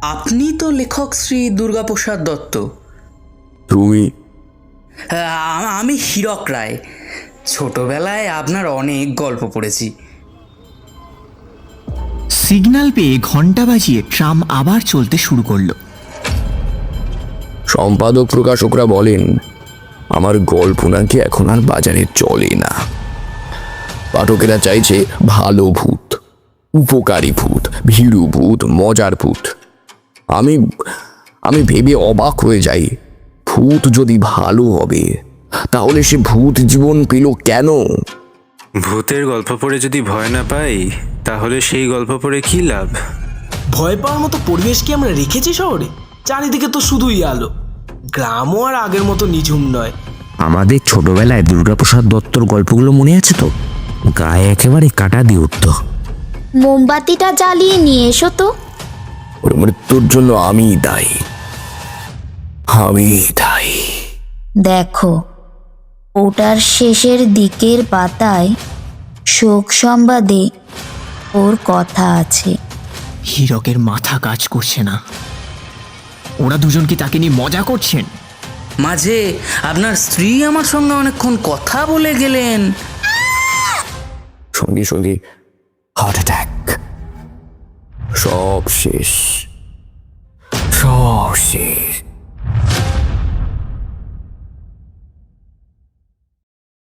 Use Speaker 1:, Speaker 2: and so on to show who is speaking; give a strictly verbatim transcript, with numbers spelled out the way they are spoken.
Speaker 1: আপনি তো লেখক শ্রী দুর্গাপ্রসাদ দত্ত।
Speaker 2: তুমি?
Speaker 1: আমি হীরক রায়। ছোটবেলায় আপনার অনেক গল্প পড়েছি।
Speaker 3: সিগন্যাল পেয়ে ঘন্টা বাজিয়ে ট্রাম আবার চলতে শুরু করলো।
Speaker 2: সম্পাদক প্রকাশকরা বলেন আমার গল্প নাকি এখন আর বাজারে চলে না। পাঠকেরা চাইছে ভালো ভূত, উপকারী ভূত, ভীরু ভূত, মজার ভূত। আমি আমি ভেবে অবাক হয়ে যাই, ভূত যদি ভালো হবে তাহলে সে ভূত জীবন পেল কেন?
Speaker 4: ভূতের গল্প পড়ে যদি ভয় না পাই তাহলে সেই গল্প পড়ে কি লাভ?
Speaker 5: ভয় পাওয়ার মতো পরিবেশ কি আমরা রেখেছি শহরে? চারিদিকে তো শুধুই আলো। গ্রামও আর আগের মতো নিঝুম নয়।
Speaker 6: আমাদের ছোটবেলায় দুর্গাপ্রসাদ দত্তর গল্পগুলো মনে আছে তো? গায়ে একেবারে কাটা দিয়ে উঠত।
Speaker 7: মোমবাতিটা জ্বালিয়ে নিয়ে এসো তো।
Speaker 2: ওর মৃত্যুর জন্য আমি দায়ী, আমি দায়ী।
Speaker 7: দেখো, ওটার শেষের দিকের পাতায় শোক সংবাদে ওর কথা আছে।
Speaker 3: হীরকের মাথা কাজ করছে না। ওরা দুজন কি তাকে নিয়ে মজা করছেন?
Speaker 1: মাঝে আপনার স্ত্রী আমার সঙ্গে অনেকক্ষণ কথা বলে গেলেন।
Speaker 2: সঙ্গে সঙ্গে হার্ট অ্যাটাক। সব শেষ, সব শেষ।